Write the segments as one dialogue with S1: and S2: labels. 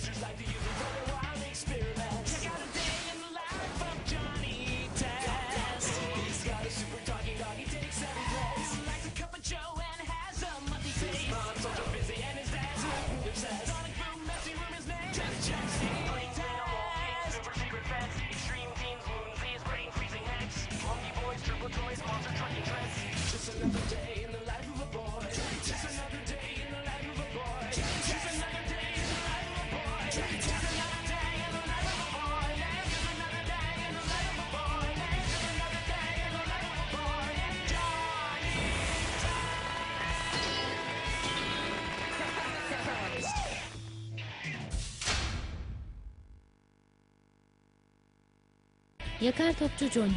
S1: Yakar topçu Johnny.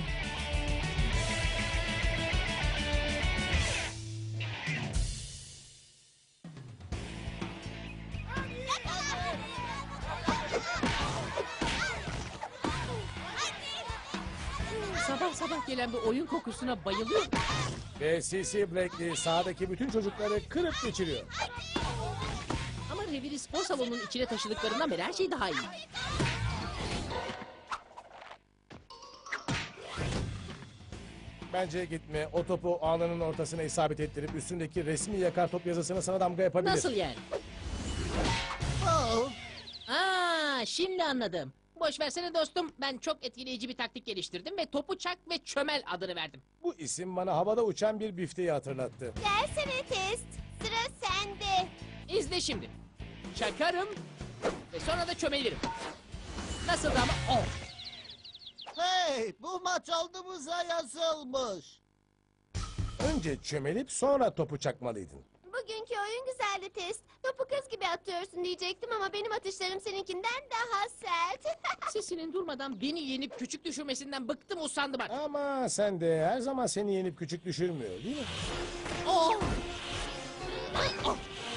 S2: Sabah sabah gelen bir oyun kokusuna bayılıyorum.
S3: Ve C.C. Blackley sahadaki bütün çocukları kırıp geçiriyor.
S2: Ama reviri spor salonunun içine taşıdıklarından beri her şey daha iyi.
S3: Bence gitme. O topu ağlarının ortasına isabet ettirip üstündeki resmi yakar top yazısını sana damga yapabilir.
S2: Nasıl yani? Şimdi anladım. Boş versene dostum. Ben çok etkileyici bir taktik geliştirdim ve topu çak ve çömel adını verdim.
S3: Bu isim bana havada uçan bir bifteyi hatırlattı.
S4: Gelsene test. Sıra sende.
S2: İzle şimdi. Çakarım ve sonra da çömelirim. Nasıl ama? Oh.
S5: Hey, bu maç aldığımıza yazılmış.
S3: Önce çömelip sonra topu çakmalıydın.
S4: Bugünkü oyun güzeldi test. Topu kız gibi atıyorsun diyecektim ama benim atışlarım seninkinden daha sert.
S2: Sesinin durmadan beni yenip küçük düşürmesinden bıktım usandım artık.
S3: Ama sen de her zaman seni yenip küçük düşürmüyor değil mi?
S2: Oh. Oh.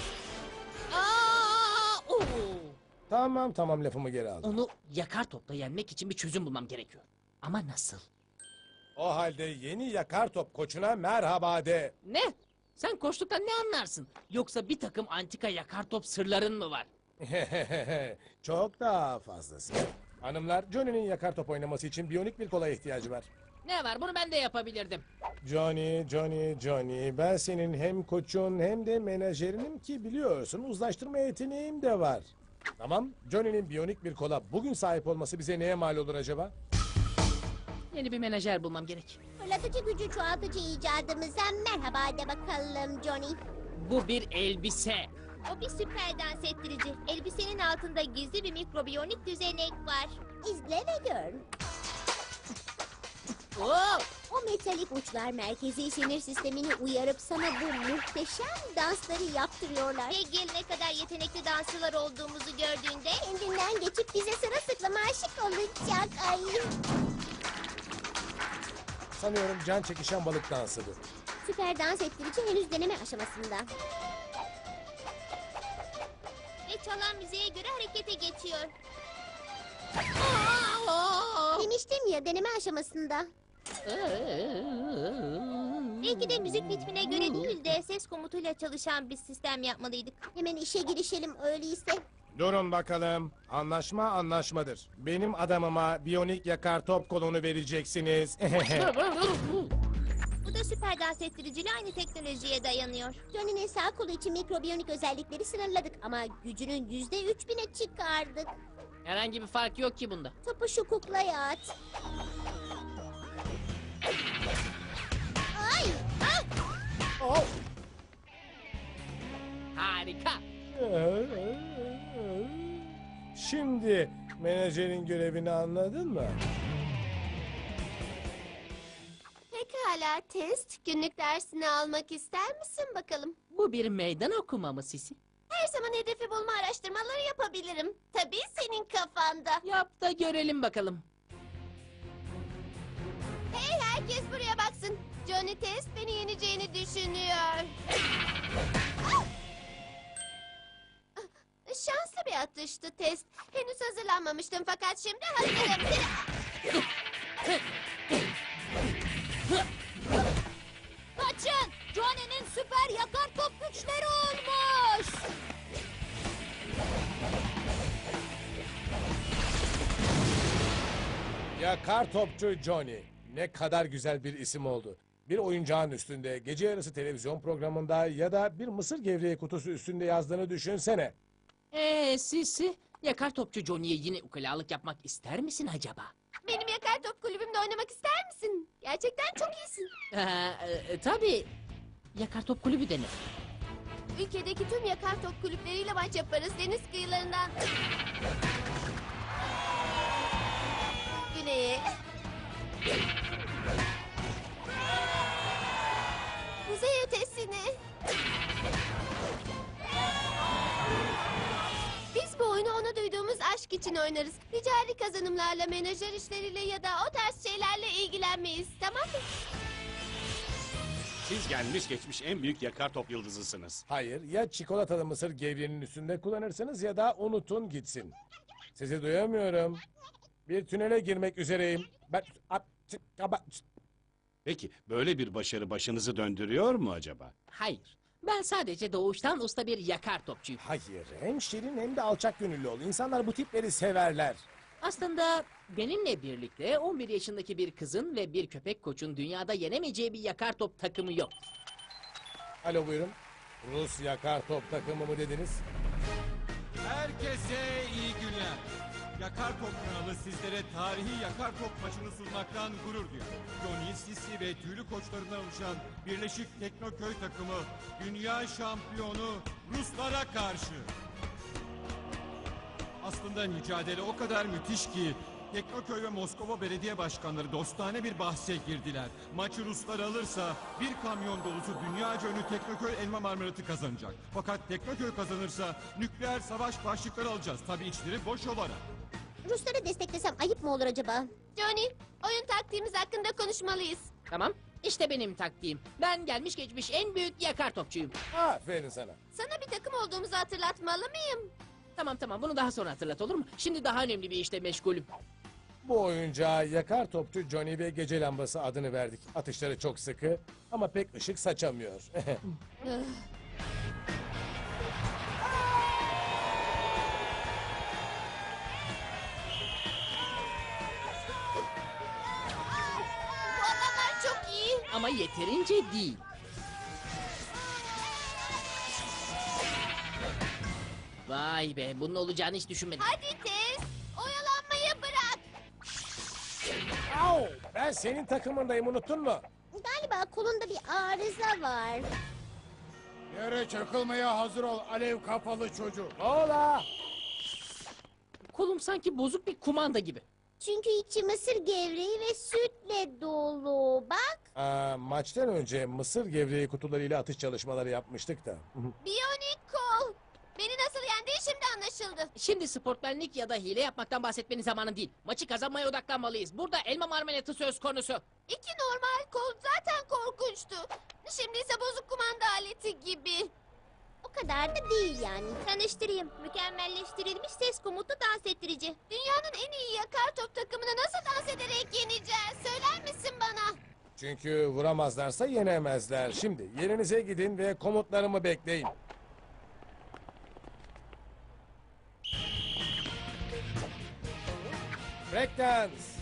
S2: Oh.
S3: Tamam lafımı geri aldım.
S2: Onu yakar topla yenmek için bir çözüm bulmam gerekiyor. Ama nasıl?
S3: O halde yeni yakar top koçuna merhaba de.
S2: Ne? Sen koçluktan ne anlarsın? Yoksa bir takım antika yakar top sırların mı var?
S3: Çok daha fazlası. Hanımlar, Johnny'nin yakar top oynaması için biyonik bir kola ihtiyacı var.
S2: Ne var? Bunu ben de yapabilirdim.
S3: Johnny. Ben senin hem koçun hem de menajerinim ki biliyorsun uzlaştırma yeteneğim de var. Tamam, Johnny'nin biyonik bir kola bugün sahip olması bize neye mal olur acaba?
S2: Yeni bir menajer bulmam gerek.
S4: Fırlatıcı gücü çoğaltıcı icadımıza merhaba de bakalım Johnny.
S2: Bu bir elbise.
S4: O bir süper dans ettirici. Elbisenin altında gizli bir mikrobiyonik düzenek var. İzle ve gör.
S2: Oh!
S4: O metalik uçlar merkezi sinir sistemini uyarıp sana bu muhteşem dansları yaptırıyorlar. Ve gelene kadar yetenekli dansçılar olduğumuzu gördüğünde kendinden geçip bize sırılsıklam aşık olacak. Ay.
S3: Sanıyorum can çekişen balık dansı bu.
S4: Süper dans ettirici henüz deneme aşamasında. Ve çalan müziğe göre harekete geçiyor. Demiştim ya deneme aşamasında. Belki de müzik ritmine göre değil de ses komutuyla çalışan bir sistem yapmalıydık. Hemen işe girişelim öyleyse.
S3: Durun bakalım. Anlaşma anlaşmadır. Benim adamıma biyonik yakar top kolunu vereceksiniz.
S4: Bu da süper dans ettiriciyle aynı teknolojiye dayanıyor. Johnny'nin sağ kolu için mikrobiyonik özellikleri sınırladık ama gücünün %3000'e çıkardık.
S2: Herhangi bir fark yok ki bunda.
S4: Topu şu kuklaya at. Ay! Ah!
S3: Oh!
S2: Harika.
S3: Şimdi menajerin görevini anladın mı?
S4: Pekala test. Günlük dersini almak ister misin bakalım?
S2: Bu bir meydan okuma mı Sisi?
S4: Her zaman hedefi bulma araştırmaları yapabilirim. Tabii senin kafanda.
S2: Yap da görelim bakalım.
S4: Hey herkes buraya baksın. Johnny Test beni yeneceğini düşünüyor. Şanslı bir atıştı Test. Henüz hazırlanmamıştım fakat şimdi hazırım. Kaçın! Johnny'nin süper yakar top güçleri olmuş!
S3: Yakar topçu Johnny. Ne kadar güzel bir isim oldu. Bir oyuncağın üstünde, gece yarısı televizyon programında ya da bir mısır gevreği kutusu üstünde yazdığını düşünsene.
S2: Sisi, yakar topçu Johnny'ye yine ukalalık yapmak ister misin acaba?
S4: Benim yakar top kulübümde oynamak ister misin? Gerçekten çok iyisin.
S2: Tabii. Yakar top kulübü denir.
S4: Ülkedeki tüm yakar top kulüpleriyle maç yaparız deniz kıyılarından. Güneye. Kuzey ötesine. Biz bu oyunu ona duyduğumuz aşk için oynarız. Ticari kazanımlarla, menajer işleriyle ya da o tarz şeylerle ilgilenmeyiz. Tamam mı?
S1: Siz gelmiş geçmiş en büyük yakar top yıldızısınız.
S3: Hayır, ya çikolatalı mısır gevreğinin üstünde kullanırsınız ya da unutun gitsin. Sizi duyamıyorum. Bir tünele girmek üzereyim.
S1: Peki böyle bir başarı başınızı döndürüyor mu acaba?
S2: Hayır. Ben sadece doğuştan usta bir yakar topçuyum.
S3: Hayır, hem şirin hem de alçak gönüllü ol. İnsanlar bu tipleri severler.
S2: Aslında benimle birlikte 11 yaşındaki bir kızın ve bir köpek koçun dünyada yenemeyeceği bir yakar top takımı yok.
S3: Alo buyurun. Rus yakar top takımı mı dediniz?
S6: Herkese iyi günler. Yakar Top kanalı sizlere tarihi Yakar Top maçını sunmaktan gurur duyuyor. Johnny, Sisi ve tüylü koçlarından oluşan Birleşik Teknoköy takımı dünya şampiyonu Ruslara karşı. Aslında mücadele o kadar müthiş ki Teknoköy ve Moskova belediye başkanları dostane bir bahse girdiler. Maçı Ruslar alırsa bir kamyon dolusu dünyaca ünlü Teknoköy elma marmelatı kazanacak. Fakat Teknoköy kazanırsa nükleer savaş başlıkları alacağız. Tabii içleri boş olarak.
S4: Rusları desteklesem ayıp mı olur acaba? Johnny, oyun taktiğimiz hakkında konuşmalıyız.
S2: Tamam. İşte benim taktiğim. Ben gelmiş geçmiş en büyük yakar topçuyum.
S3: Aferin sana.
S4: Sana bir takım olduğumuzu hatırlatmalı mıyım?
S2: Tamam bunu daha sonra hatırlat olur mu? Şimdi daha önemli bir işle meşgulüm.
S3: Bu oyuncağa yakar topçu Johnny ve gece lambası adını verdik. Atışları çok sıkı ama pek ışık saçamıyor.
S4: Bu adamlar çok iyi.
S2: Ama yeterince değil. Vay be, bunun olacağını hiç düşünmedim.
S4: Hadi Tez, oyalanmayı bırak.
S3: Au! Ben senin takımındayım, unuttun mu?
S4: Galiba kolunda bir arıza var.
S7: Yere çakılmaya hazır ol alev kafalı çocuk.
S3: Ola!
S2: Kolum sanki bozuk bir kumanda gibi.
S4: Çünkü içi mısır gevreği ve sütle dolu. Bak.
S3: Maçtan önce mısır gevreği kutularıyla atış çalışmaları yapmıştık da.
S4: Biyonik kol. Beni nasıl yendiği şimdi anlaşıldı.
S2: Şimdi sportmenlik ya da hile yapmaktan bahsetmenin zamanı değil. Maçı kazanmaya odaklanmalıyız. Burada elma marmelatı söz konusu.
S4: İki normal kol zaten korkunçtu. Şimdi ise bozuk kumanda aleti gibi. O kadar da değil yani. Tanıştırayım. Mükemmelleştirilmiş ses komutlu dans ettirici. Dünyanın en iyi yakar top takımını nasıl dans ederek yeneceğiz? Söyler misin bana?
S3: Çünkü vuramazlarsa yenemezler. Şimdi yerinize gidin ve komutlarımı bekleyin. Breakdance.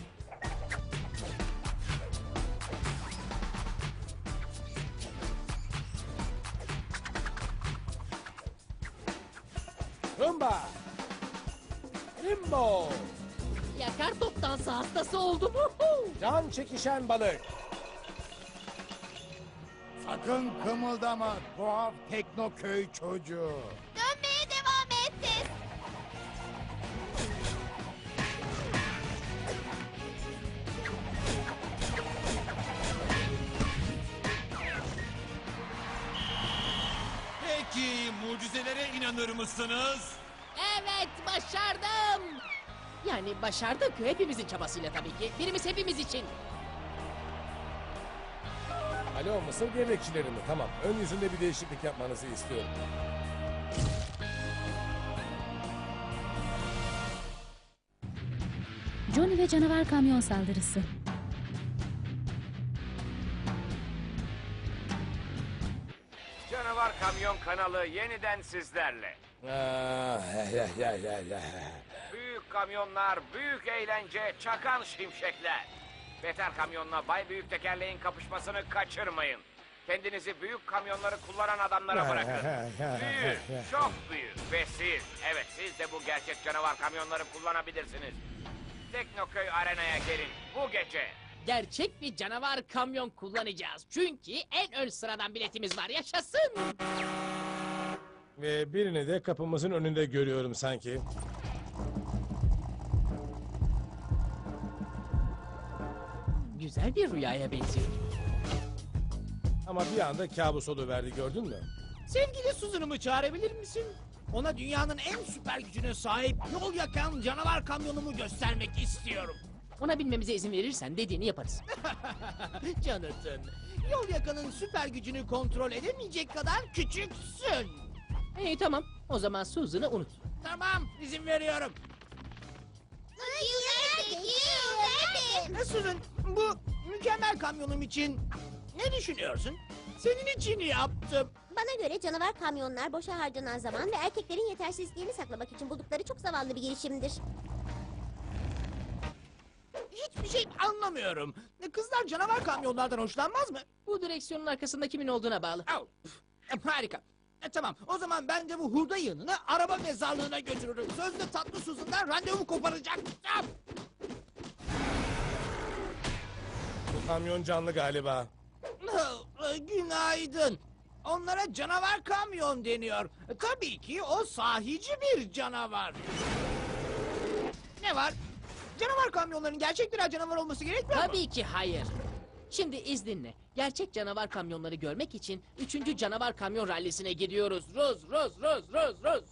S3: Rumba. Limbo.
S2: Yakar top dansı hastası oldum.
S3: Can çekişen balık.
S7: Sakın kımıldama tuhaf teknoköy çocuğu.
S4: Dönmeye devam et Tez.
S6: Peki mucizelere inanır mısınız?
S2: Evet, başardım. Yani başardık hepimizin çabasıyla tabii ki. Birimiz hepimiz için.
S3: Alo mısır gevrekçileri mi? Tamam. Ön yüzünde bir değişiklik yapmanızı istiyorum.
S8: Johnny ve canavar kamyon saldırısı.
S9: Canavar Kamyon kanalı yeniden sizlerle.
S3: Ah, ya.
S9: Büyük kamyonlar, büyük eğlence, çakan şimşekler. Beter kamyonla bay büyük tekerleğin kapışmasını kaçırmayın. Kendinizi büyük kamyonları kullanan adamlara bırakın. Büyük, çok büyük. Ve siz, evet siz de bu gerçek canavar kamyonları kullanabilirsiniz. Teknoköy Arena'ya gelin bu gece.
S2: Gerçek bir canavar kamyon kullanacağız. Çünkü en ön sıradan biletimiz var. Yaşasın.
S3: Ve birini de kapımızın önünde görüyorum sanki.
S2: Güzel bir rüyaya benziyor.
S3: Ama bir anda kabus oluverdi, gördün mü?
S10: Sevgili Susan'ımı çağırabilir misin? Ona dünyanın en süper gücüne sahip yol yakan canavar kamyonumu göstermek istiyorum.
S2: Ona binmemize izin verirsen dediğini yaparız.
S10: Jonathan, yol yakanın süper gücünü kontrol edemeyecek kadar küçüksün.
S2: İyi tamam. O zaman Susan'ı unut.
S10: Tamam, izin veriyorum. Susan, bu mükemmel kamyonum için ne düşünüyorsun? Senin için yaptım.
S4: Bana göre canavar kamyonlar boşa harcanan zaman ve erkeklerin yetersizliğini saklamak için buldukları çok zavallı bir girişimdir.
S10: Hiçbir şey anlamıyorum. Kızlar canavar kamyonlardan hoşlanmaz mı?
S2: Bu direksiyonun arkasında kimin olduğuna bağlı.
S10: Au, harika. Tamam, o zaman ben de bu hurda yığınını araba mezarlığına götürürüm. Sözde tatlı Susan'dan randevu koparacak.
S3: Bu kamyon canlı galiba.
S10: Günaydın. Onlara canavar kamyon deniyor. Tabii ki o sahici bir canavar. Ne var? Canavar kamyonların gerçek birer canavar olması gerekmiyor mu?
S2: Tabii ki hayır. Şimdi izninle. Gerçek canavar kamyonları görmek için 3. canavar kamyon rallisine gidiyoruz. Ruz.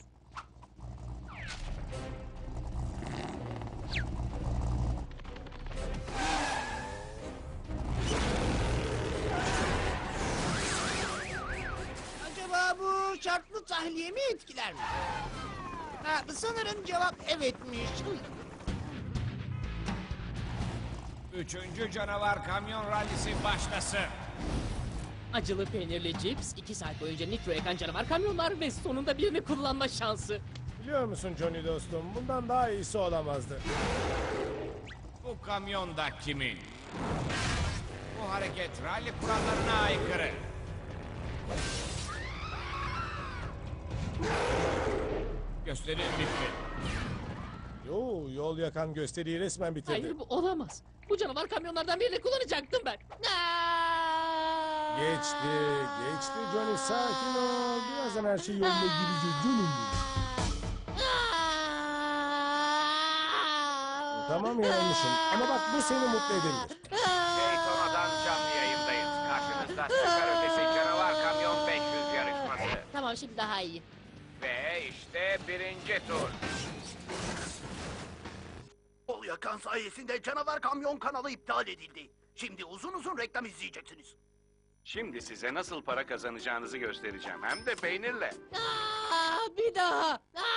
S10: Acaba bu şartlı tahliye mi etkiler mi? Ha, sanırım cevap evetmiş.
S9: 3. canavar kamyon rallisi başlasın.
S2: Acılı peynirli cips, 2 saat boyunca nitro yakan canavar kamyonlar ve sonunda birini kullanma şansı.
S3: Biliyor musun Johnny dostum, bundan daha iyisi olamazdı.
S9: Bu kamyon da kimin? Bu hareket ralli kurallarına aykırı. Gösteri bitti.
S3: Yol yakan gösteriyi resmen bitirdi.
S2: Hayır bu olamaz. Bu canavar kamyonlardan birini kullanacaktım ben. Aa!
S3: Geçti Johnny, sakin ol. Birazdan her şey yoluna girecek canım. Tamam yanılmışım ama bak bu seni mutlu edebilir.
S9: Daytona'dan canlı yayındayız. Karşınızda süper ötesi canavar kamyon 500 yarışması.
S2: Tamam şimdi daha iyi.
S9: Ve işte 1. tur.
S5: Yol yakan sayesinde canavar kamyon kanalı iptal edildi. Şimdi uzun uzun reklam izleyeceksiniz.
S1: Şimdi size nasıl para kazanacağınızı göstereceğim. Hem de peynirle.
S2: Bir daha.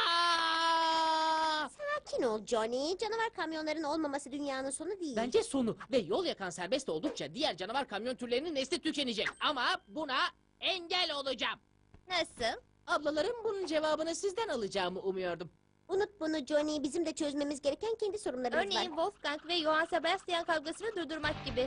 S2: Aa!
S4: Sakin ol Johnny. Canavar kamyonların olmaması dünyanın sonu değil.
S2: Bence sonu ve yol yakan serbest oldukça diğer canavar kamyon türlerinin nesli tükenecek. Ama buna engel olacağım.
S4: Nasıl?
S2: Ablalarım bunun cevabını sizden alacağımı umuyordum.
S4: Unut bunu Johnny. Bizim de çözmemiz gereken kendi sorunlarımız
S11: Örneğin
S4: var.
S11: Wolfgang ve Johann Sebastian kavgasını durdurmak gibi.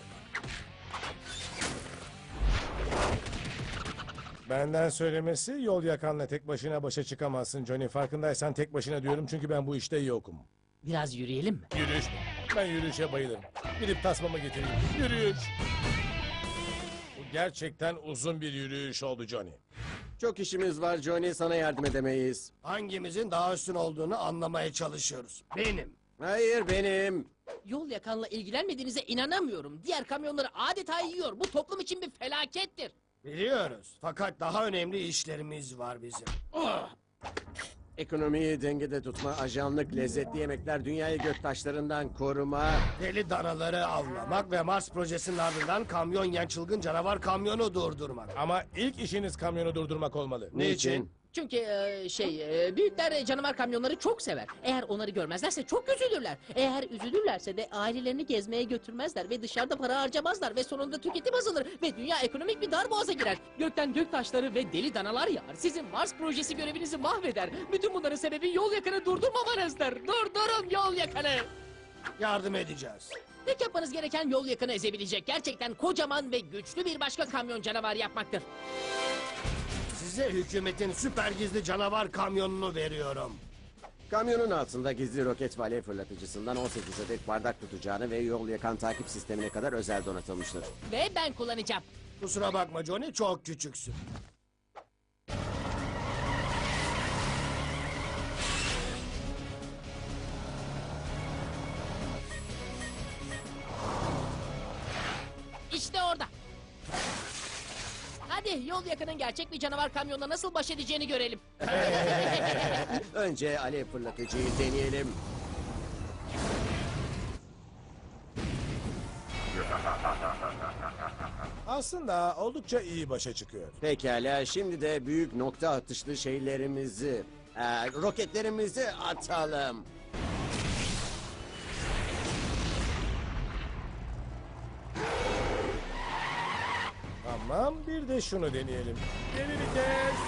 S3: Benden söylemesi, yol yakanla tek başına başa çıkamazsın Johnny. Farkındaysan tek başına diyorum çünkü ben bu işte yokum.
S2: Biraz yürüyelim mi?
S3: Yürüyüş. Ben yürüyüşe bayılırım. Gidip tasmamı getireyim. Yürüyüş. Bu gerçekten uzun bir yürüyüş oldu Johnny.
S12: Çok işimiz var Johnny, sana yardım edemeyiz.
S5: Hangimizin daha üstün olduğunu anlamaya çalışıyoruz. Benim.
S12: Hayır benim.
S2: Yol yakanla ilgilenmediğinize inanamıyorum. Diğer kamyonları adeta yiyor. Bu toplum için bir felakettir.
S5: Biliyoruz. Fakat daha önemli işlerimiz var bizim.
S12: Ekonomiyi dengede tutma, ajanlık, lezzetli yemekler, dünyayı göktaşlarından koruma.
S5: Deli danaları avlamak ve Mars projesinin ardından kamyon yiyen çılgın canavar kamyonu durdurmak.
S3: Ama ilk işiniz kamyonu durdurmak olmalı.
S12: Niçin?
S2: Çünkü büyükler canavar kamyonları çok sever. Eğer onları görmezlerse çok üzülürler. Eğer üzülürlerse de ailelerini gezmeye götürmezler ve dışarıda para harcamazlar ve sonunda tüketim azalır ve dünya ekonomik bir darboğaza girer. Gökten gök taşları ve deli danalar yağar. Sizin Mars projesi görevinizi mahveder. Bütün bunların sebebi yol yakını durdurmamanızdır. Durdurun yol yakını.
S13: Yardım edeceğiz.
S2: Tek yapmanız gereken yol yakını ezebilecek gerçekten kocaman ve güçlü bir başka kamyon canavar yapmaktır.
S13: Size hükümetin süper gizli canavar kamyonunu veriyorum.
S12: Kamyonun altında gizli roket ve alev fırlatıcısından 18 adet bardak tutacağını ve yol yakan takip sistemine kadar özel donatılmıştır.
S2: Ve ben kullanacağım.
S13: Kusura bakma Johnny, çok küçüksün.
S2: İşte orada. Hadi yol yakının gerçek bir canavar kamyonla nasıl baş edeceğini görelim.
S12: Önce alev fırlatıcıyı deneyelim.
S3: Aslında oldukça iyi başa çıkıyor.
S12: Pekala, şimdi de büyük nokta atışlı şeylerimizi, roketlerimizi atalım.
S3: Tamam, bir de şunu deneyelim. Geri vites.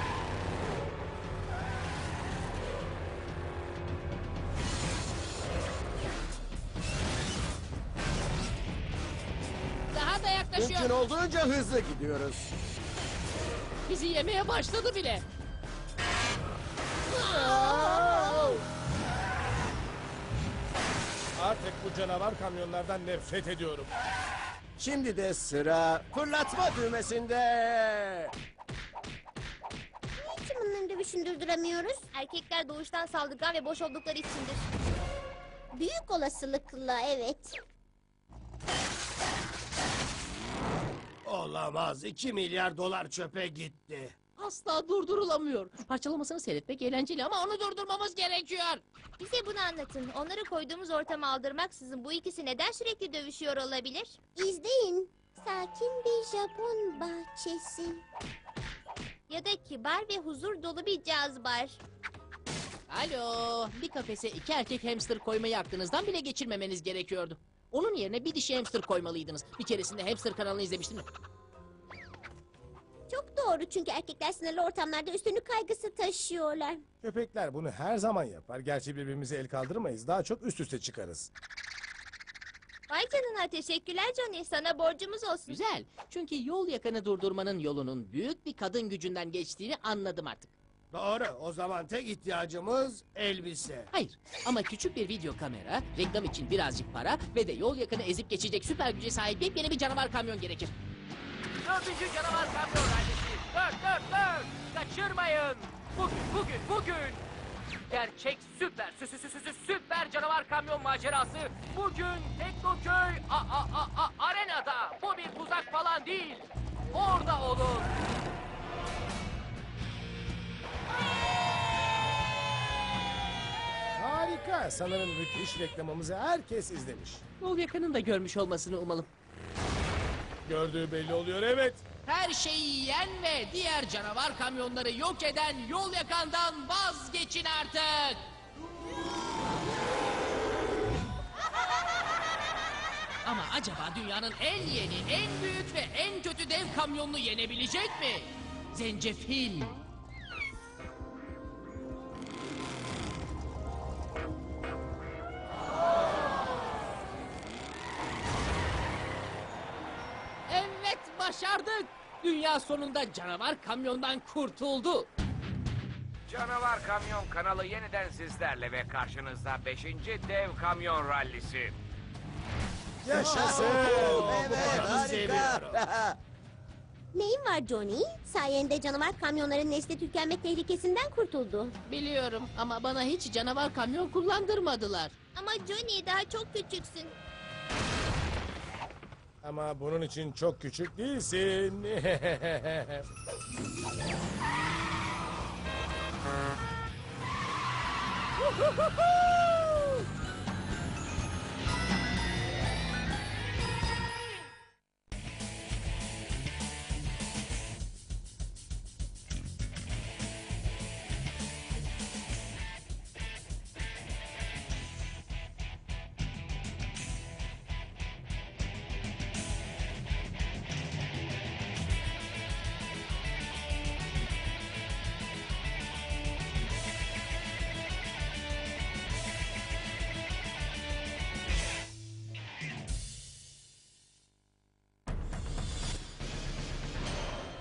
S2: Daha da yaklaşıyor.
S12: Mümkün olduğunca hızlı gidiyoruz.
S2: Bizi yemeye başladı bile.
S3: Artık bu canavar kamyonlardan nefret ediyorum.
S12: Şimdi de sıra fırlatma düğmesinde.
S4: Niçin bunları dövüşün durduramıyoruz?
S11: Erkekler doğuştan saldırgan ve boş oldukları içindir.
S4: Büyük olasılıkla evet.
S13: Olamaz, 2 milyar dolar çöpe gitti.
S2: Asla durdurulamıyor. Parçalamasını seyretmek eğlenceli ama onu durdurmamız gerekiyor.
S11: Bize bunu anlatın. Onları koyduğumuz ortama aldırmaksızın bu ikisi neden sürekli dövüşüyor olabilir?
S4: İzleyin. Sakin bir Japon bahçesi.
S11: Ya da kibar ve huzur dolu bir caz bar.
S2: Alo, bir kafese 2 erkek hamster koymayı aklınızdan bile geçirmemeniz gerekiyordu. Onun yerine bir dişi hamster koymalıydınız. Bir keresinde hamster kanalını izlemiştim.
S4: Çok doğru çünkü erkekler sınırlı ortamlarda üstünlük kaygısı taşıyorlar.
S3: Köpekler bunu her zaman yapar. Gerçi birbirimize el kaldırmayız. Daha çok üst üste çıkarız.
S11: Vay canına, teşekkürler Johnny. Sana borcumuz olsun.
S2: Güzel. Çünkü yol yakını durdurmanın yolunun büyük bir kadın gücünden geçtiğini anladım artık.
S13: Doğru, o zaman tek ihtiyacımız elbise.
S2: Hayır ama küçük bir video kamera, reklam için birazcık para ve de yol yakını ezip geçecek süper güce sahip yepyeni bir canavar kamyon gerekir. 4. canavar kamyon rallisi. 4. Kaçırmayın. Bugün. Gerçek süper canavar kamyon macerası. Bugün Teknoköy Arena'da. Bu bir tuzak falan değil. Orada olun.
S3: Harika. Sanırım müthiş reklamımızı herkes izlemiş.
S2: Yol yakının da görmüş olmasını umalım.
S3: Gördüğü belli oluyor, evet.
S2: Her şeyi yiyen ve diğer canavar kamyonları yok eden yol yakandan vazgeçin artık. Ama acaba dünyanın en yeni, en büyük ve en kötü dev kamyonunu yenebilecek mi? Zencefil. Evet, başardık. Dünya sonunda canavar kamyondan kurtuldu.
S9: Canavar Kamyon kanalı yeniden sizlerle ve karşınızda 5. dev kamyon rallisi.
S3: Yaşasın.
S12: Evet, harika.
S4: Neyin var Johnny? Sayende canavar kamyonların nesli tükenme tehlikesinden kurtuldu.
S2: Biliyorum ama bana hiç canavar kamyon kullandırmadılar.
S11: Ama Johnny, daha çok küçüksün.
S3: Ama bunun için çok küçük değilsin.